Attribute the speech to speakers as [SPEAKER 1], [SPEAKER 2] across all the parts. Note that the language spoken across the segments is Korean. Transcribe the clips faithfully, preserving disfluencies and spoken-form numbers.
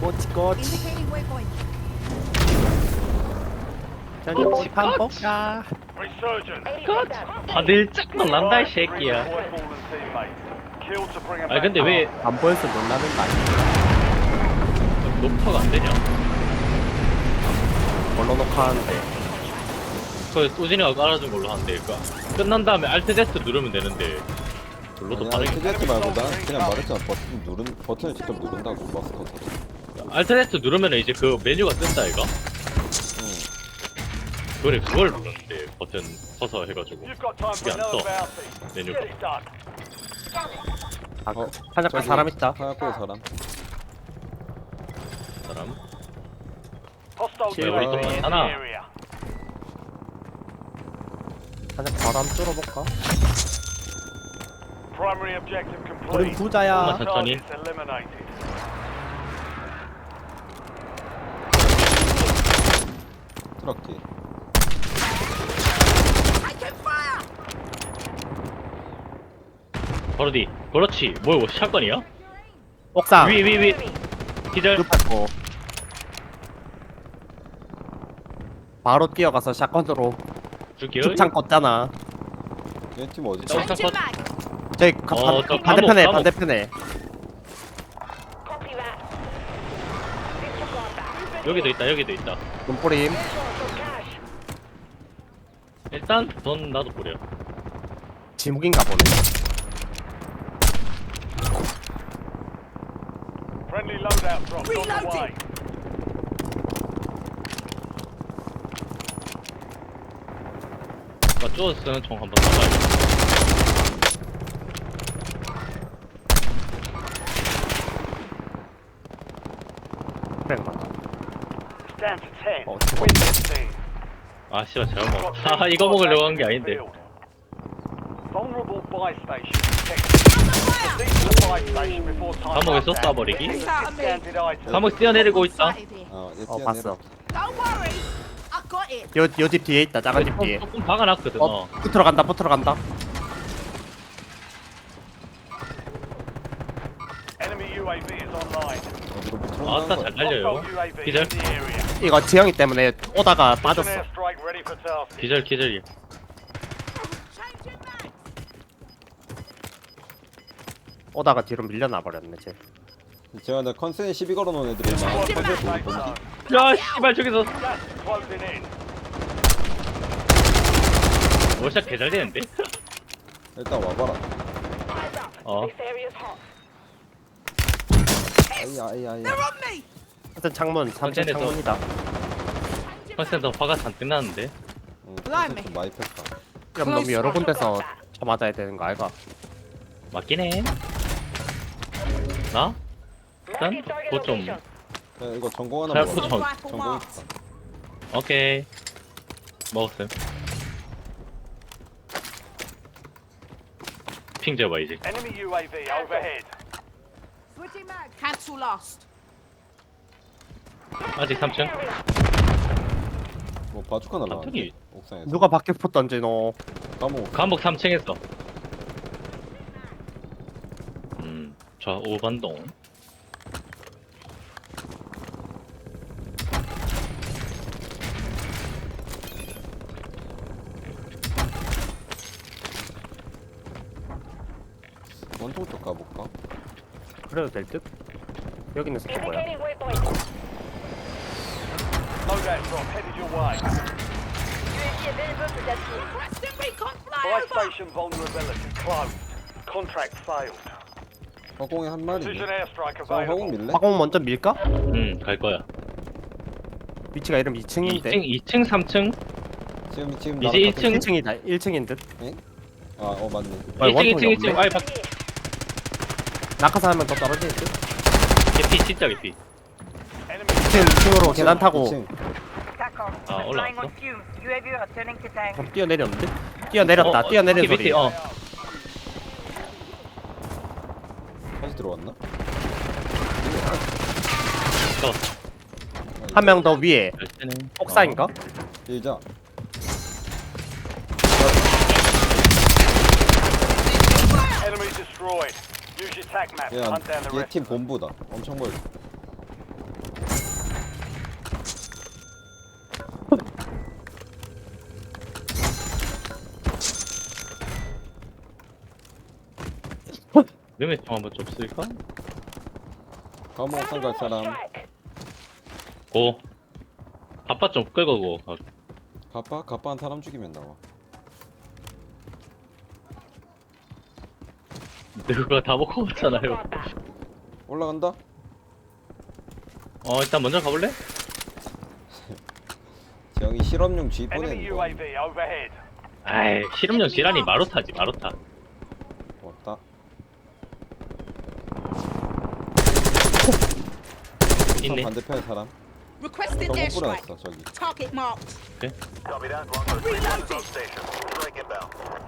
[SPEAKER 1] 꼬치 꼬치.
[SPEAKER 2] Indicating waypoint.
[SPEAKER 1] 저기 집한 볼까?
[SPEAKER 3] 다들 짝 놀란다 이 새끼야. 아 근데 왜
[SPEAKER 1] 안 보여서 놀라는 거 아니야?
[SPEAKER 3] 녹화가 안 되냐?
[SPEAKER 1] 뭘로 녹화하는데?
[SPEAKER 3] 그 소진이가 깔아준 걸로 하는데 그니까 끝난 다음에 알트 데스 누르면 되는데 별로도
[SPEAKER 4] 아니
[SPEAKER 3] 반응이
[SPEAKER 4] 알트 말고 난 그냥 말했잖아. 버튼 누른 버튼을 직접 누른다고 마스커터.
[SPEAKER 3] 알트 데스 누르면 이제 그 메뉴가 뜬다 이거?
[SPEAKER 4] 응.
[SPEAKER 3] 그래 그걸 눌렀는데 버튼 서서 해가지고 그게 안 떠. 메뉴가
[SPEAKER 1] 아,
[SPEAKER 4] 어,
[SPEAKER 1] 한약간
[SPEAKER 4] 저기
[SPEAKER 1] 사람 있다.
[SPEAKER 4] 하얗고 사람.
[SPEAKER 3] 사람
[SPEAKER 1] 실-
[SPEAKER 3] 왜 우리 돈 많잖아.
[SPEAKER 1] 한약 바람 뚫어볼까?
[SPEAKER 5] Primary objective
[SPEAKER 1] 우린
[SPEAKER 5] complete.
[SPEAKER 1] 부자야.
[SPEAKER 3] 엄마 천천히.
[SPEAKER 5] Targets eliminated.
[SPEAKER 4] 트럭 뒤.
[SPEAKER 3] 바로 뒤 그렇지 뭐야 이거 샷건이야?
[SPEAKER 1] 옥상.
[SPEAKER 3] 위 위 위 기절
[SPEAKER 1] 급하고. 바로 뛰어가서 샷건으로
[SPEAKER 3] 죽여
[SPEAKER 1] 죽창 껐잖아.
[SPEAKER 4] 얘팀 어디?
[SPEAKER 3] 나 옥상 컷
[SPEAKER 1] 저기 가,
[SPEAKER 3] 어,
[SPEAKER 1] 반,
[SPEAKER 3] 저
[SPEAKER 1] 반대편에
[SPEAKER 3] 감옥, 감옥.
[SPEAKER 1] 반대편에.
[SPEAKER 3] 여기도 있다 여기도 있다
[SPEAKER 1] 눈뿌림.
[SPEAKER 3] 일단 돈 나도 뿌려
[SPEAKER 1] 지목인가 보네.
[SPEAKER 5] Friendly loadout drop on the way.
[SPEAKER 3] 나 쪼어 쓰는 총 한번 잡아야겠다
[SPEAKER 1] 그래 맞아.
[SPEAKER 5] Stand to ten.
[SPEAKER 1] 어,
[SPEAKER 5] Win this team.
[SPEAKER 3] 아 씨발 잘못 아 이거 먹으려고 한 게 아닌데
[SPEAKER 5] Vulnerable buy station detected. Proceed to the buy station before time
[SPEAKER 3] 감옥에서
[SPEAKER 5] runs out.
[SPEAKER 3] 쏴버리기
[SPEAKER 5] Discounted items.
[SPEAKER 3] 감옥 뛰어내리고 있다
[SPEAKER 4] 어, 얘
[SPEAKER 1] 어
[SPEAKER 4] 뛰어내려.
[SPEAKER 1] 봤어.
[SPEAKER 2] Don't worry. I got it.
[SPEAKER 1] 요 요 집 뒤에 있다. 작은 집 뒤에.
[SPEAKER 3] 조금 박아놨거든
[SPEAKER 1] 어,
[SPEAKER 3] 어
[SPEAKER 1] 붙으러 간다. 붙으러 간다.
[SPEAKER 5] Enemy U A V is online.
[SPEAKER 4] 어디로 붙여?
[SPEAKER 3] 아따 잘 달려요
[SPEAKER 5] Hostile U A V
[SPEAKER 3] 기절
[SPEAKER 5] in the area.
[SPEAKER 1] 이거 지영이 때문에 오다가
[SPEAKER 5] Precision
[SPEAKER 1] 빠졌어.
[SPEAKER 5] airstrike ready for task.
[SPEAKER 3] 기절 기절이야
[SPEAKER 2] Changing mag.
[SPEAKER 1] 오다가 뒤로 밀려나 버렸네 쟤.
[SPEAKER 4] 제가 나 컨센에 시비 걸어놓은 애들이 막 컨센 보고
[SPEAKER 5] Safe
[SPEAKER 4] 있거든.
[SPEAKER 5] zone.
[SPEAKER 3] 야 씨발 저기서
[SPEAKER 5] Gas is closing in.
[SPEAKER 3] 월샷 개잘 되는데?
[SPEAKER 4] 일단 와봐라.
[SPEAKER 3] 어
[SPEAKER 4] 아이야 아이야 아이야.
[SPEAKER 2] They're on me.
[SPEAKER 1] 하여튼 창문 삼 층
[SPEAKER 3] 컨센에서-
[SPEAKER 1] 창문이다.
[SPEAKER 3] 컨센터 화가 잔뜩 나는데
[SPEAKER 4] 응,
[SPEAKER 2] Blimey.
[SPEAKER 4] 컨센 좀 많이 폈다.
[SPEAKER 1] 그럼 너무 여러 군데서 쳐 맞아야 되는 거 알가?
[SPEAKER 3] 맞긴 해 나? 일단 그거 좀
[SPEAKER 4] 야, 이거 전공 하나
[SPEAKER 3] 잘
[SPEAKER 4] 먹어.
[SPEAKER 3] 포-
[SPEAKER 2] Rifle
[SPEAKER 4] 전공
[SPEAKER 2] marked.
[SPEAKER 4] 있다.
[SPEAKER 3] 오케이 먹었음 핑 잡아 이제
[SPEAKER 5] Enemy U A V overhead.
[SPEAKER 2] Switching mag. Cancel last.
[SPEAKER 3] 아직 삼 층
[SPEAKER 4] 뭐 바주카 날라왔는데
[SPEAKER 3] 갑자기
[SPEAKER 4] 옥상에서.
[SPEAKER 1] 누가 밖에 붙 던지노?
[SPEAKER 4] 까먹어.
[SPEAKER 3] 감옥 삼 층에서 음 좌우반동
[SPEAKER 4] 원통 쪽 가볼까?
[SPEAKER 1] 그래도 될 듯? 여기는 스키 뭐야?
[SPEAKER 5] Loadout drop headed your way.
[SPEAKER 2] Preston recon
[SPEAKER 5] Buy
[SPEAKER 2] flyover.
[SPEAKER 5] station vulnerability closed. Contract failed.
[SPEAKER 4] 화공에 한 마리.
[SPEAKER 5] Precision airstrike
[SPEAKER 4] 자, 화공
[SPEAKER 5] available.
[SPEAKER 4] 밀래?
[SPEAKER 1] 화공 먼저 밀까?
[SPEAKER 3] 음갈 거야
[SPEAKER 1] 위치가 이름 이 층인데.
[SPEAKER 3] 이 층 이 층 삼 층
[SPEAKER 4] 지금 지금
[SPEAKER 3] 이제
[SPEAKER 4] 나랑
[SPEAKER 3] 일
[SPEAKER 4] 같은-
[SPEAKER 3] 층?
[SPEAKER 1] 일 층이다. 일 층인 듯.
[SPEAKER 4] 아, 어 맞네.
[SPEAKER 1] 아,
[SPEAKER 3] 일 층 이 층
[SPEAKER 1] 원통이
[SPEAKER 3] 이 층
[SPEAKER 1] 없네.
[SPEAKER 3] 아이 박
[SPEAKER 1] 낙하산 한 명 더 떨어질 듯.
[SPEAKER 3] 개피 진짜 개피
[SPEAKER 5] Enemy
[SPEAKER 1] 이 층, 이 층으로 계단 타고
[SPEAKER 4] 이 층.
[SPEAKER 3] 아 올라왔어
[SPEAKER 1] 그럼 뛰어내렸는데? 뛰어내렸다.
[SPEAKER 3] 어, 어,
[SPEAKER 1] 뛰어내린
[SPEAKER 3] 밑에,
[SPEAKER 1] 소리.
[SPEAKER 3] 어
[SPEAKER 4] 다시 들어왔나?
[SPEAKER 3] 잡았어
[SPEAKER 1] 한 명 더 위에.
[SPEAKER 3] 열쇠는
[SPEAKER 1] 옥상인가?
[SPEAKER 4] 일자.
[SPEAKER 5] enemy destroyed. Use your tac map to hunt down the rest.
[SPEAKER 4] 얘팀 본부다. 엄청 멀리.
[SPEAKER 3] 름의 총 한번 좀 쓸까?
[SPEAKER 4] 감옥 옥상 갈 사람.
[SPEAKER 3] 고. 아빠 좀 끌고 고. 아,
[SPEAKER 4] 가빠? 가빠한 사람 죽이면 나와.
[SPEAKER 3] 그거 다 먹고 왔잖아요.
[SPEAKER 4] 올라간다?
[SPEAKER 3] 어 일단 먼저 가볼래?
[SPEAKER 4] 형이 실험용 G
[SPEAKER 5] Enemy
[SPEAKER 4] 보내는 거.
[SPEAKER 5] U A V overhead.
[SPEAKER 3] 아이 실험용 지란이 마루타지 마루타.
[SPEAKER 4] 왔다.
[SPEAKER 3] 있네.
[SPEAKER 4] 반대편에 사람.
[SPEAKER 2] Requesting
[SPEAKER 4] 저거
[SPEAKER 2] airstrike.
[SPEAKER 4] 뿌려놨어 저기.
[SPEAKER 2] Target marked.
[SPEAKER 5] Copy that. Longbow three
[SPEAKER 2] Reloading.
[SPEAKER 5] on station. Strike inbound.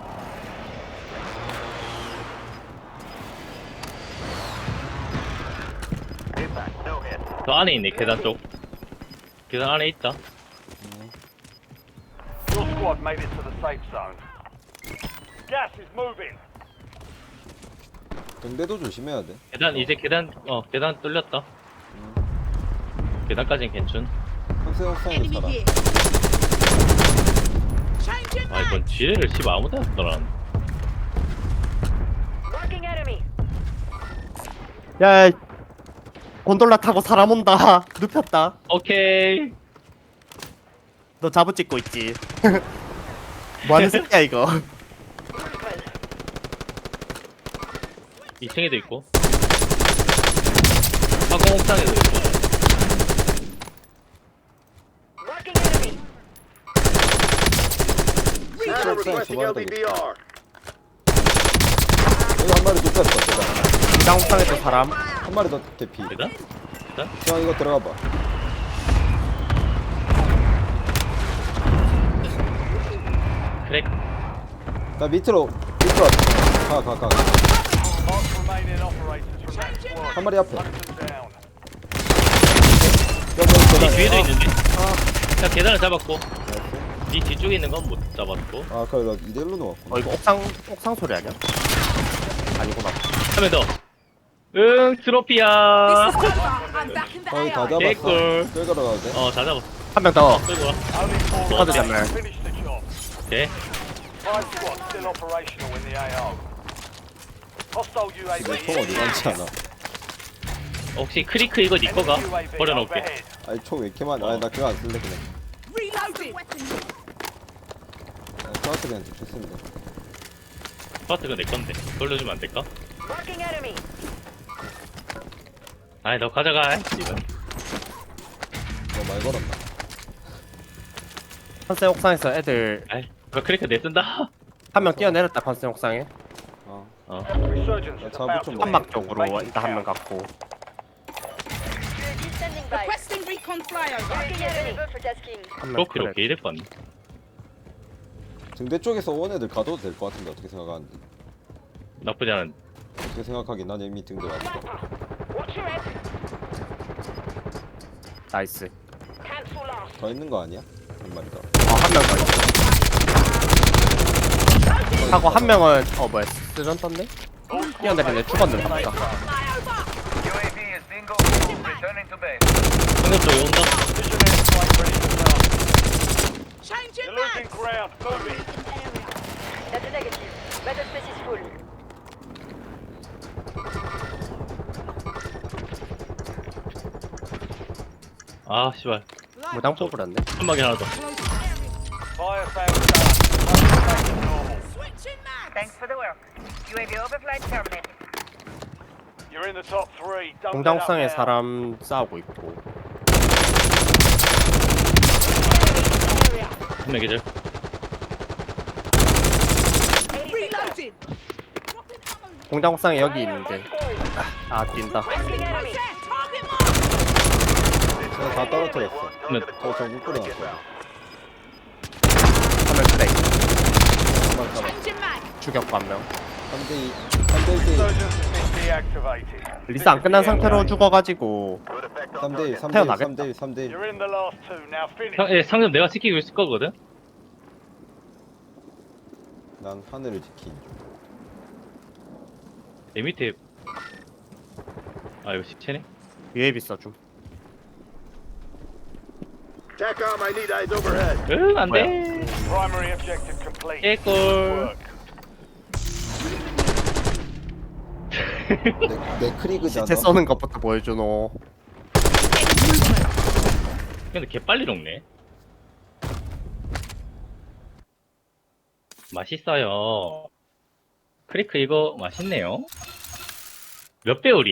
[SPEAKER 5] Impact. No hit.
[SPEAKER 3] 저 안에 있네 계단 쪽. 계단 안에 있다.
[SPEAKER 5] Your squad made it to the safe zone. Gas is moving.
[SPEAKER 4] 등대도 조심해야 돼.
[SPEAKER 3] 계단 이제 계단 어 계단 뚫렸다. 계단까진 괜춘.
[SPEAKER 4] 한세 옥상에
[SPEAKER 2] Enemy
[SPEAKER 4] 사람.
[SPEAKER 2] here. Changing
[SPEAKER 3] 아 이건
[SPEAKER 2] mag.
[SPEAKER 3] 지뢰를 씹어 아무데나 쓰더라.
[SPEAKER 1] 야, 곤돌라 타고 사람 온다. 눕혔다.
[SPEAKER 3] 오케이.
[SPEAKER 1] 너 잡아 찍고 있지. 뭐하는 새끼야 이거.
[SPEAKER 3] 이 층에도 있고. 화공 옥상에도 있고.
[SPEAKER 4] 실제 옥상에 두 마리 더 있다. 여기 한 마리 눕혔어 제가.
[SPEAKER 1] 이장 옥상에도 사람.
[SPEAKER 4] 한 마리 더 대피.
[SPEAKER 3] 계단?
[SPEAKER 4] 형 이거 들어가 봐.
[SPEAKER 3] 그래.
[SPEAKER 4] 나 밑으로 밑으로 가 가 가.
[SPEAKER 5] Mark remaining operators from that squad.
[SPEAKER 4] 한 마리 앞에.
[SPEAKER 5] Hunt them down.
[SPEAKER 4] 여기 여기
[SPEAKER 3] 이
[SPEAKER 4] 계단.
[SPEAKER 3] 뒤에도
[SPEAKER 4] 아,
[SPEAKER 3] 있는데. 자 계단을 잡았고.
[SPEAKER 4] 나이스.
[SPEAKER 3] 이 뒤쪽에 있는 건 못 잡았고.
[SPEAKER 4] 아 그래 나 이대로 놓았구나.
[SPEAKER 1] 어 이거 옥상 옥상 소리 아니야? 아니구나.
[SPEAKER 3] 한 명 더. 응 트로피야.
[SPEAKER 2] This is over. I'm back in the
[SPEAKER 4] 거의 다
[SPEAKER 2] A I.
[SPEAKER 4] 잡았어.
[SPEAKER 3] 개꿀.
[SPEAKER 4] 끌고 가도 돼?
[SPEAKER 3] 어 다 잡았어.
[SPEAKER 1] 한 명 더.
[SPEAKER 3] 끌고 와.
[SPEAKER 5] Only four
[SPEAKER 1] Other
[SPEAKER 5] remaining.
[SPEAKER 1] than that.
[SPEAKER 5] Finish the job.
[SPEAKER 3] 오케이.
[SPEAKER 5] Five squads still operational in the A O. Hostile U A V.
[SPEAKER 4] 근데 총 어디 많지 않아.
[SPEAKER 3] 혹시 크리크 이거 니 거가?
[SPEAKER 5] Enemy U A V
[SPEAKER 3] 버려놓을게.
[SPEAKER 5] overhead.
[SPEAKER 4] 아니 총 왜 이렇게 많아? 아니 나 그거 안 쓸래 그냥.
[SPEAKER 2] Reloading.
[SPEAKER 4] 저한테 그냥 대충 쓰면 돼.
[SPEAKER 3] 스파트가 내 건데. 돌려주면 안 될까? 아이 너 가져가. 씨발.
[SPEAKER 4] 너말 걸었나?
[SPEAKER 1] 컨센 옥상에서 애들
[SPEAKER 3] 아이 너 크리크 내 쓴다.
[SPEAKER 1] 한 명 뛰어내렸다. 컨센 옥상에.
[SPEAKER 4] 어.
[SPEAKER 3] 어.
[SPEAKER 5] Resurgence is
[SPEAKER 4] 자,
[SPEAKER 5] about
[SPEAKER 4] 좀
[SPEAKER 5] to
[SPEAKER 4] 먹어.
[SPEAKER 1] 한박
[SPEAKER 5] begin.
[SPEAKER 1] 쪽으로
[SPEAKER 5] Make it
[SPEAKER 1] 일단 한 명
[SPEAKER 5] count.
[SPEAKER 1] 갔고.
[SPEAKER 2] Requesting recon flyover.
[SPEAKER 1] 한 명
[SPEAKER 3] 트로피로
[SPEAKER 1] 그래.
[SPEAKER 3] 게이될 뻔.
[SPEAKER 4] 등대 쪽에서 온 애들 가도 될 것 같은데 어떻게 생각하는데?
[SPEAKER 3] 나쁘지 않은.
[SPEAKER 4] 어떻게 생각하긴 난 이미 등대 왔어.
[SPEAKER 1] 나이스.
[SPEAKER 4] 더 있는 거 아니야? 한 마리 더.
[SPEAKER 1] 어한 명 더 있어. 하고 한 명은 어 뭐야 스전 떴네? 뛰어내리네. 죽었는데 보니까.
[SPEAKER 5] U A V is bingo. Returning to base.
[SPEAKER 3] 상급 쪽에 온다.
[SPEAKER 5] Precision airstrike ready to go.
[SPEAKER 2] Changing
[SPEAKER 5] You're losing
[SPEAKER 2] mag.
[SPEAKER 5] ground. Moving.
[SPEAKER 6] That's a negative. Battle space is full.
[SPEAKER 3] 아 씨발.
[SPEAKER 1] 무당 뽑으렸네.
[SPEAKER 3] 한방에 하나 더.
[SPEAKER 5] Fire sales done. Back to normal.
[SPEAKER 2] Switching mag.
[SPEAKER 6] Thanks for the work. U A V overflight terminated.
[SPEAKER 5] You're in the top three. Don't
[SPEAKER 1] 공장
[SPEAKER 5] let up
[SPEAKER 1] 옥상에
[SPEAKER 5] now.
[SPEAKER 1] 사람 싸우고 있고.
[SPEAKER 3] 한 명 계절.
[SPEAKER 2] Reloading.
[SPEAKER 1] 공장 옥상에 여기 있는데. 아 뛴다.
[SPEAKER 2] Requesting enemy. Target marked.
[SPEAKER 4] 제가 다 떨어뜨렸어.
[SPEAKER 3] 한명
[SPEAKER 4] 저 전국 뿌려놨어.
[SPEAKER 1] 한 명 트레이.
[SPEAKER 4] 한 마리 잡아.
[SPEAKER 2] Changing mag.
[SPEAKER 1] 죽였고 한 명.
[SPEAKER 4] 삼 대 이. 삼 대 일 대 일.
[SPEAKER 5] Resurgence has been deactivated.
[SPEAKER 1] 리스 안 끝난 상태로 죽어가지고
[SPEAKER 4] 삼 대 일. 삼 대 일.
[SPEAKER 1] 태어나겠다.
[SPEAKER 4] 삼 대 일. 삼 대 일.
[SPEAKER 5] You're in the last two. Now finish.
[SPEAKER 3] 상, 예, 상점 내가 지키고 있을 거거든.
[SPEAKER 4] 난 하늘을 지키는 중.
[SPEAKER 3] 내 밑에. 아 이거 시체네.
[SPEAKER 1] 유에비 써줌.
[SPEAKER 7] TACOM, I need eyes overhead.
[SPEAKER 3] 응, 안 돼.
[SPEAKER 5] Primary objective complete.
[SPEAKER 3] 개꿀.
[SPEAKER 5] Work.
[SPEAKER 4] 내, 내 크리그잖아.
[SPEAKER 1] 시체 써는 것부터 보여주노.
[SPEAKER 3] 근데 개 빨리 녹네. 맛있어요. 크리크 이거 맛있네요. 몇 배율이?